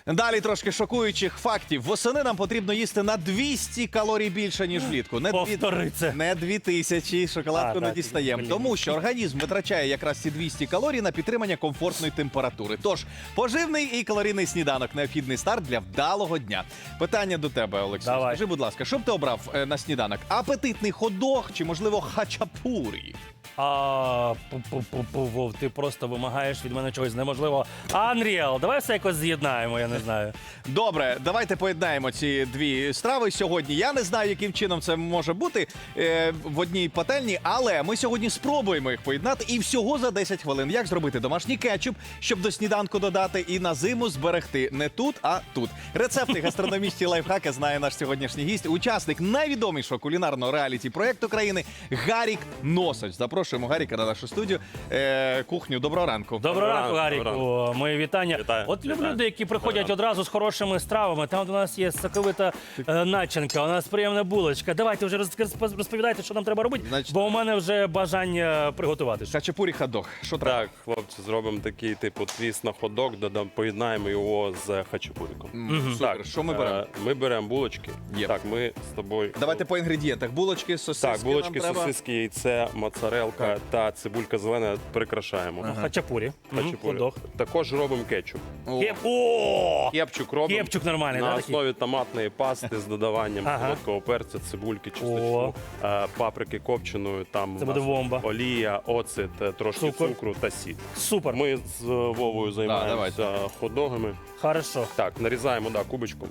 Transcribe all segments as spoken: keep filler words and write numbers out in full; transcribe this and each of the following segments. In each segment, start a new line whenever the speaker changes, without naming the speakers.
Далі трошки шокуючих фактів. Восени нам потрібно їсти на двісті калорій більше, ніж влітку. Не,
Повтори це.
не дві тисячі, шоколадку
А,
не
так,
дістаємо.
блін.
Тому що організм витрачає якраз ці двісті калорій на підтримання комфортної температури. Тож, поживний і калорійний сніданок – необхідний старт для вдалого дня. Питання до тебе, Олексій.
Давай.
Скажи, будь ласка, що б ти обрав е, на сніданок? Апетитний хот-дог чи, можливо, хачапурі?
А, пу-пу-пу-пу, Вов, ти просто вимагаєш від мене чогось неможливого. Unreal, давай все якось з'єднаємо, я не знаю.
Добре, давайте поєднаємо ці дві страви сьогодні. Я не знаю, яким чином це може бути е, в одній пательні, але ми сьогодні спробуємо їх поєднати і всього за десять хвилин. Як зробити домашній кетчуп, щоб до сніданку додати і на зиму зберегти не тут, а тут. Рецепти, гастрономічні лайфхаки знає наш сьогоднішній гість, учасник найвідомішого кулінарного реаліті-проєкту країни Гарік Носач. Запрошуємо Гаріка на нашу студію. Е, кухню. Доброго ранку.
Доброго ранку,
ранку,
Гаріку. Мої вітання.
Вітаю.
От люблю
Вітаю.
люди, які приходять
Доброго
одразу з хорошими стравами. Там у нас є соковита е, начинка, у нас приємна булочка. Давайте вже роз- розповідайте, що нам треба робити,
Значить-
бо у мене вже бажання приготувати.
Хачапурі хот-дог. Що треба?
Так, хлопці, зробимо такий типу твіст на хот-дог, додам, поєднаємо його з хачапуриком.
М, Супер. Що ми беремо?
е, Ми беремо булочки.
Є.
Так, ми з тобою.
Давайте по інгредієнтах. Булочки, сосиски
Так, булочки,
нам треба.
сосиски, яйце, моцарелка
Так.
та цибулька зелена прикрашаємо.
Хачапурі. Мгм,
Хачапурі.
хот-дог.
Також робимо кетчуп.
О,
Кеп... О!
Кепчук робимо
Кепчук нормальний,
на
да, такий?
основі томатної пасти з додаванням
Ага.
солодкого перця, цибульки,
О.
чесночку, е, паприки копченої, там
Це
у
буде
нас
бомба.
олія, оцет, е, трошки
Цукор.
цукру та сіль.
Супер.
Ми з Вовою займаємося
давайте.
хот-догами.
Хорошо.
Так, нарізаємо да, кубочком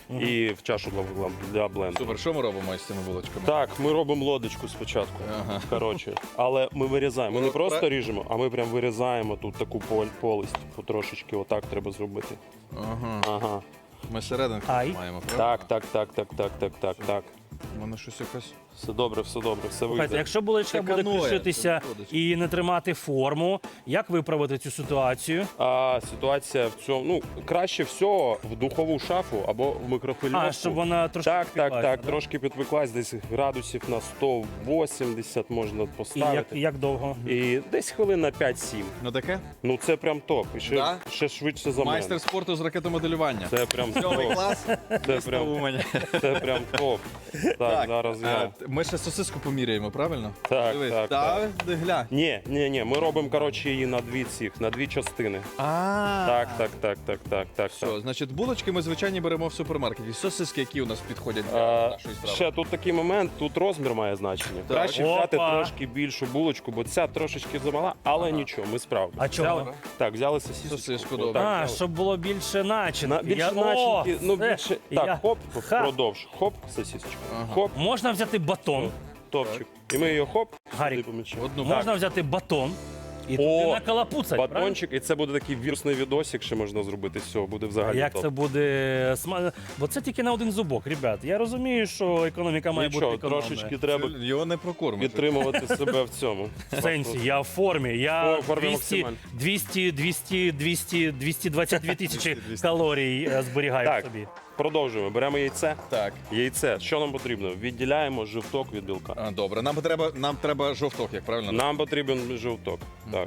і в чашу для, для бленду.
Супер, що ми робимо з цими булочками?
Так, ми робимо лодочку спочатку.
Ага.
Коротше, але ми вирізаємо. Ми не
Ну,
просто
пра-
ріжемо, а ми прям вирізаємо тут таку пол- полость потрошечки. Отак треба зробити.
Ага.
Ага.
Ми серединку
Ай.
маємо, правда?
Так, так, так, так, так, так, так, так.
У мене щось якось...
Все добре, все добре, все
Слухайте,
вийде.
якщо булочка
Це
буде
каноє,
кришитися
це виходить.
і не тримати форму, як виправити цю ситуацію?
А ситуація в цьому, ну, краще всього в духову шафу або в мікрохвильовку.
А, щоб вона трошки
Так, так,
підпеклася,
так,
да?
трошки підпеклась, десь градусів на сто вісімдесят можна
І як,
поставити.
як довго?
І десь хвилин на п'ять-сім.
Ну таке?
Ну це прям топ. І ще,
Да?
ще швидше за
Майстер
мене.
спорту з ракетомоделювання.
Це прям
Сьомий
топ.
клас.
Це прям,
Умані.
це прям топ. Так, зараз я.
е, Ми ще сосиску поміряємо, правильно?
Так,
Дивись.
так,
Та, ти глянь.
Ні, ні, ні, ми робимо, коротше, її на дві цих, на дві частини.
А,
Так, так, так, так, так, так.
Все,
так.
значить, булочки ми звичайні беремо в супермаркеті. Сосиски, які у нас підходять для
А,
нашої страви.
ще тут такий момент, тут розмір має значення.
Так.
Краще
Опа.
взяти трошки більшу булочку, бо ця трошечки замала, але нічого, ми справимо.
А чого?
Взяли, так, взяли сосиску.
Сосиску,
Отак
добре.
А,
взяли.
щоб було більше начинки.
На, більше
Я-
начинки,
О,
ну
все.
більше.
Я-
Так, хоп,
Ха.
продовж. Хоп, сосисочка. Хоп,
Можна взяти батон.
топчик. І ми її хоп,
Гарік,
сюди помічаємо.
Одну
Можна взяти батон і туди
О,
накалапуцать, правильно?
Батончик, і це буде такий вірусний відосик, ще можна зробити. Все, буде
А
взагалі.
як
топ.
це буде смачно? Бо це тільки на один зубок, ребят. Я розумію, що економіка має
Нічого,
бути економною.
трошечки треба
Його не прокормиш.
підтримувати себе в цьому.
В сенсі, я в формі. Я
О, в формі
двісті,
максимально.
двісті, двісті, двісті, двісті двадцять дві тисячі калорій е, зберігаю
Так.
собі.
Продовжуємо. Беремо яйце.
Так.
Яйце. Що нам потрібно? Відділяємо жовток від білка.
А, добре, нам треба, нам треба жовток, як правильно?
Нам потрібен жовток. Так.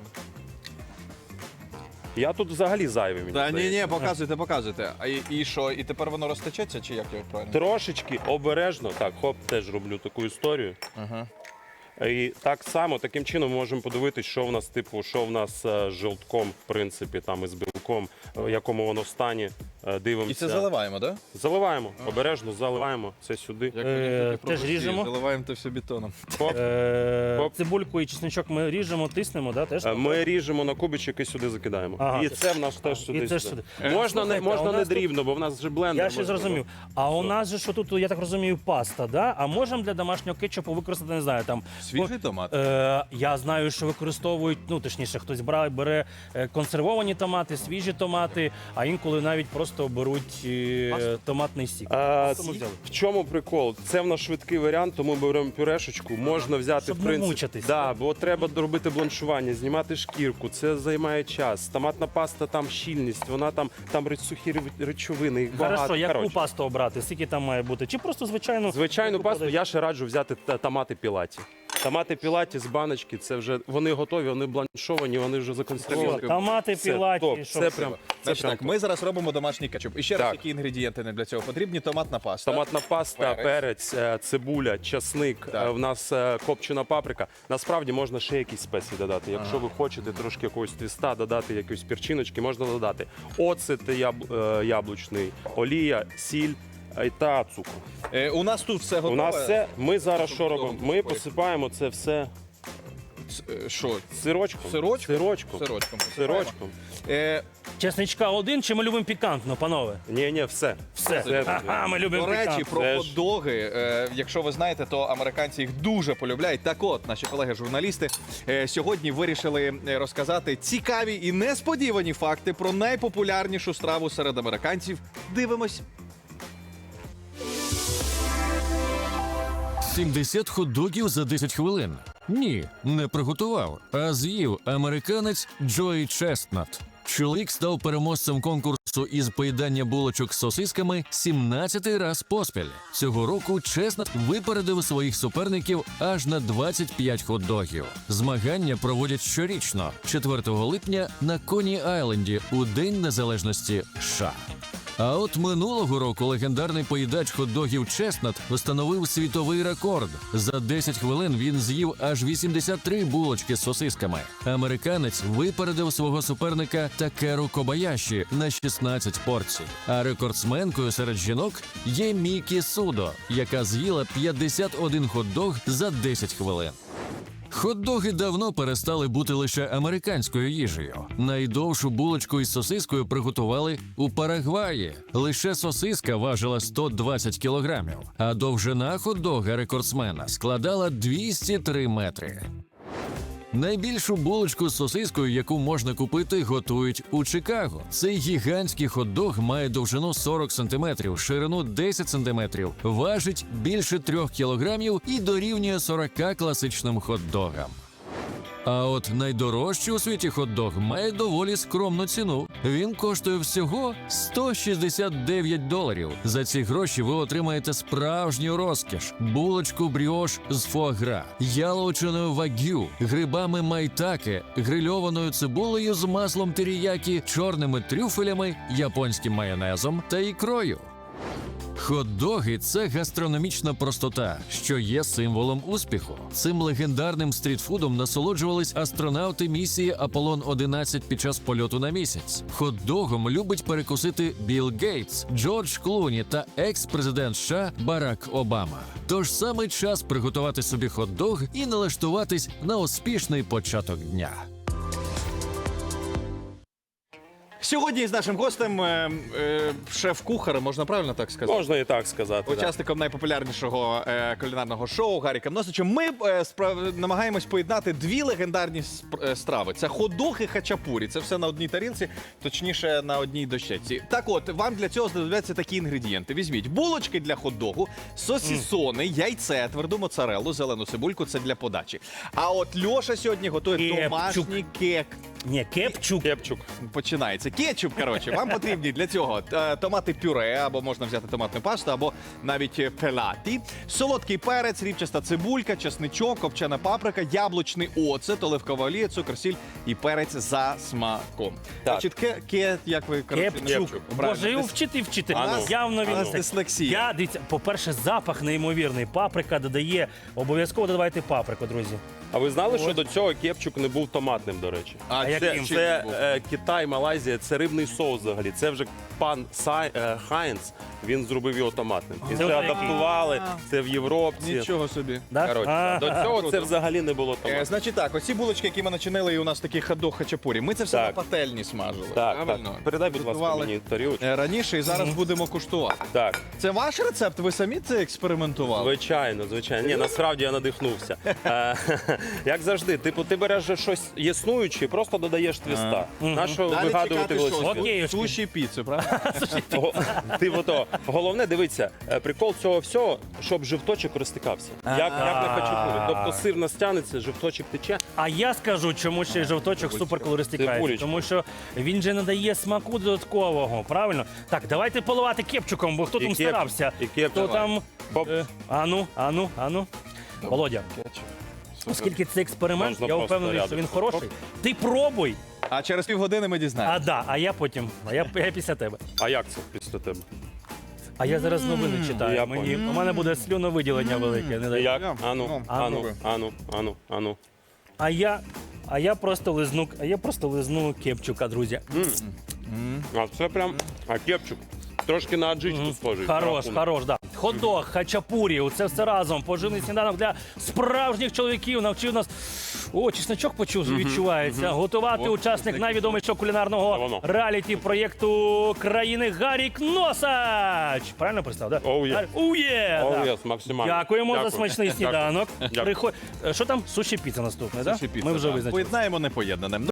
Я тут взагалі зайвий, мені
Та ні,
здається.
ні, показуйте, показуйте. А і, і що? І тепер воно розтечеться, чи як його правильно?
Трошечки обережно. Так, хоп, теж роблю таку історію.
Ага.
І так само, таким чином ми можемо подивитися, що в нас, типу, що в нас е, з жовтком, в принципі, там із білком, е, в якому воно стані. Е, Дивимося.
І це заливаємо, так? Да?
Заливаємо. Обережно заливаємо. Це сюди.
Як
Е,
анекдоти про
теж
Росію.
ріжемо?
Заливаємо це все бетоном.
Хоп.
Е,
Оп.
Цибульку і чесничок ми ріжемо, тиснемо, да, теж?
Е, Ми ріжемо на кубичок і сюди закидаємо.
Ага.
І це в нас теж сюди.
І теж
сюди.
сюди.
Можна, не,
Слухайте, а
можна
у
не
нас тут-
дрібно, бо в нас вже блендер.
Я ще
можна.
зрозумів. А у нас же що тут, я так розумію, паста, да? А можемо для домашнього кетчупу використати, не знаю, там.
Свіжий томат?
Е, я знаю, що використовують, ну точніше, хтось бра- бере е, консервовані томати, свіжі томати, а інколи навіть просто беруть е, томатний сік.
А,
Що ми взяли?
в чому прикол? Це в нас швидкий варіант, тому беремо пюрешечку. Можна взяти
Щоб
в
не
принципі.
мучитись.
Да, бо треба робити бланшування, знімати шкірку. Це займає час. Томатна паста там щільність, вона там там ри- сухі ри- речовини. Їх багато.
Хорошо, яку
Коротше,
пасту обрати? Скільки там має бути? Чи просто звичайну?
звичайну
яку
пасту
подають?
я ще раджу взяти та- томати пілаті. Томати пілаті з баночки, це вже вони готові, вони бланшовані, вони вже законсервовані.
Томати
Все,
пілаті.
топ.
що
Це
все.
прям, це
Значить
прям
так, ми зараз робимо домашній кетчуп. І ще раз,
Так.
які інгредієнти нам для цього потрібні? Томатна паста.
Томатна паста,
Перець.
перець, е, цибуля, часник.
Так.
е, В нас е, копчена паприка. Насправді можна ще якісь спеції додати. Якщо ви хочете трошки якогось твіста, додати якоїсь перчиночки, можна додати. Оцет яб- е, яблучний, олія, сіль е, та цукор.
Е, у нас тут все готове.
У нас все. Ми зараз що робимо? Ми
Ой.
посипаємо це все
Ц- е, Що?
сирочком.
Сирочком?
Сирочком.
Сирочком. посипаємо.
Сирочком.
Е,
Чесничка один чи ми любимо пікантно, панове?
Ні, ні, все.
Все.
Все.
Ага, ми любимо
До речі,
пікантно.
про
Це ж-
хот-доги. Е, якщо ви знаєте, то американці їх дуже полюбляють. Так от, наші колеги-журналісти е, сьогодні вирішили е, розказати цікаві і несподівані факти про найпопулярнішу страву серед американців. Дивимось.
сімдесят хот-догів за десять хвилин. Ні, не приготував, а з'їв американець Джої Честнат. Чоловік став переможцем конкурсу із поїдання булочок з сосисками сімнадцятий раз поспіль. Цього року Честнат випередив своїх суперників аж на двадцять п'ять хот-догів. Змагання проводять щорічно, четвертого липня на Коні-Айленді у День Незалежності США. А от минулого року легендарний поїдач хот-догів Честнат встановив світовий рекорд. За десять хвилин він з'їв аж вісімдесят три булочки з сосисками. Американець випередив свого суперника Такеру Кобаяші на шістнадцять порцій. А рекордсменкою серед жінок є Мікі Судо, яка з'їла п'ятдесят один хот-дог за десять хвилин. Хот-доги давно перестали бути лише американською їжею. Найдовшу булочку із сосискою приготували у Парагваї. Лише сосиска важила сто двадцять кілограмів, а довжина хот-дога рекордсмена складала двісті три метри. Найбільшу булочку з сосискою, яку можна купити, готують у Чикаго. Цей гігантський хот-дог має довжину сорок сантиметрів, ширину десять сантиметрів, важить більше трьох кілограмів і дорівнює сорока класичним хот-догам. А от найдорожчий у світі хот-дог має доволі скромну ціну. Він коштує всього сто шістдесят дев'ять доларів. За ці гроші ви отримаєте справжню розкіш: булочку бріош з фуагра, яловичиною вагю, грибами майтаке, грильованою цибулею з маслом теріякі, чорними трюфелями, японським майонезом та ікрою. Хот-доги – це гастрономічна простота, що є символом успіху. Цим легендарним стрітфудом насолоджувались астронавти місії Аполлон одинадцять під час польоту на місяць. Хот-догом любить перекусити Білл Гейтс, Джордж Клуні та екс-президент США Барак Обама. Тож саме час приготувати собі хот-дог і налаштуватись на успішний початок дня.
Сьогодні з нашим гостем е, е, шеф-кухар, можна правильно так сказати?
Можна і так сказати. да.
Учасником найпопулярнішого е, кулінарного шоу Гаріком Носичем. Ми е, справ... намагаємось поєднати дві легендарні сп- е, страви. Це хот-дог і хачапурі. Це все на одній тарілці, точніше на одній дощечці. Так от, вам для цього знадобляться такі інгредієнти. Візьміть булочки для хот-догу, сосісони, яйце, тверду моцарелу, зелену цибульку – це для подачі. А от Льоша сьогодні готує
Кепчук.
домашній кек.
Ні, кепчук.
Кепчук.
Починається. Кетчуп, коротше, вам потрібні для цього е, томати пюре, або можна взяти томатну пасту, або навіть е, пелаті, солодкий перець, рібчаста цибулька, чесничок, копчена паприка, яблучний оцет, оливкова олія, цукор, сіль і перець за смаком.
Так.
Значить, ке, ке, як ви, коротше,
Кепчук.
Правильно.
Боже, його
Дис-
вчити і вчити.
А ну.
Явно
У
він.
нас дислексія.
Я, дивіться, по-перше, запах неймовірний. Паприка додає. Обов'язково додавайте паприку, друзі.
А ви знали, що
Ось.
до цього кепчук не був томатним, до речі?
А,
А
це,
яким?
чим
Це
був?
е, Китай, Малайзія, це рибний соус взагалі. Це вже пан Сай, е, Хайнц, він зробив його томатним. І
Це
це
отакий.
адаптували, це в Європці.
Нічого собі.
Да?
Коротше,
А,
до цього
круто.
це взагалі не було
Е,
томатним.
значить так, оці булочки, які ми начинили, і у нас такий хот-дог хачапурі. Ми це все
Так.
на пательні смажили.
Так,
правильно?
так. Передай, будь ласка,
Готували,
мені тарілочку.
е, раніше і зараз будемо куштувати.
Так,
Це ваш рецепт? Ви самі це експериментували?
звичайно, звичайно. Ні, насправді я надихнувся. Е, Як завжди, типу, ти береш же щось існуюче, і просто додаєш твіста. На що
Далі
вигадувати
чекати що?
велосипед?
Окей.
Суші, піцу, правда?
Го- Ти ото. Головне, дивіться, е, прикол цього всього, щоб жовточок розтикався. Як, як на хачапурі. Тобто сир настягнеться, жовточок тече.
А я скажу, чому ще й жовточок супер коли розтікається.
Цибулечка.
Тому що він же надає смаку додаткового, правильно? Так, давайте поливати кепчуком, бо хто
І
там
кеп-
старався?
і кеп-
Хто
давай.
там.
Хоп.
Е, ану, ану, ану. Володя. Оскільки це експеримент,
Можна
я
просто
впевнений, що
рядом.
він хороший. Ти пробуй,
А через півгодини ми
а
дізнаємося.
да, а я потім, а я, я після тебе.
А як це після тебе?
А я зараз новини читаю.
Я
Мені,
понял.
у мене буде слюновиділення велике. Не дай.
Як?
Я-
Ану,
ну,
ану,
пробуй.
ану, ану, ану.
А я, а я просто лизну, а я просто лизну кепчука, друзі.
А це прям, а кепчук. Трошки на аджичку схожий.
Хорош,
Рахунок.
хорош, да. Хот-дог, хачапурі, це все разом. Поживний сніданок для справжніх чоловіків навчив нас. О, чесночок почув, відчувається. Готувати
О,
учасник
чеснок.
найвідомішого
Це
кулінарного
воно.
реаліті проєкту країни Гарік Носач. Правильно представ, так?
Oh, yeah.
Oh, yeah,
Oh,
да.
yes, максимально.
Дякуємо
Дякую.
за смачний
Дякую.
сніданок.
Дякую.
Приходь. Е, Що там? Суші піца наступне, так?
Суші піца,
Ми вже
так.
визначили.
Поєднаємо непоєднане.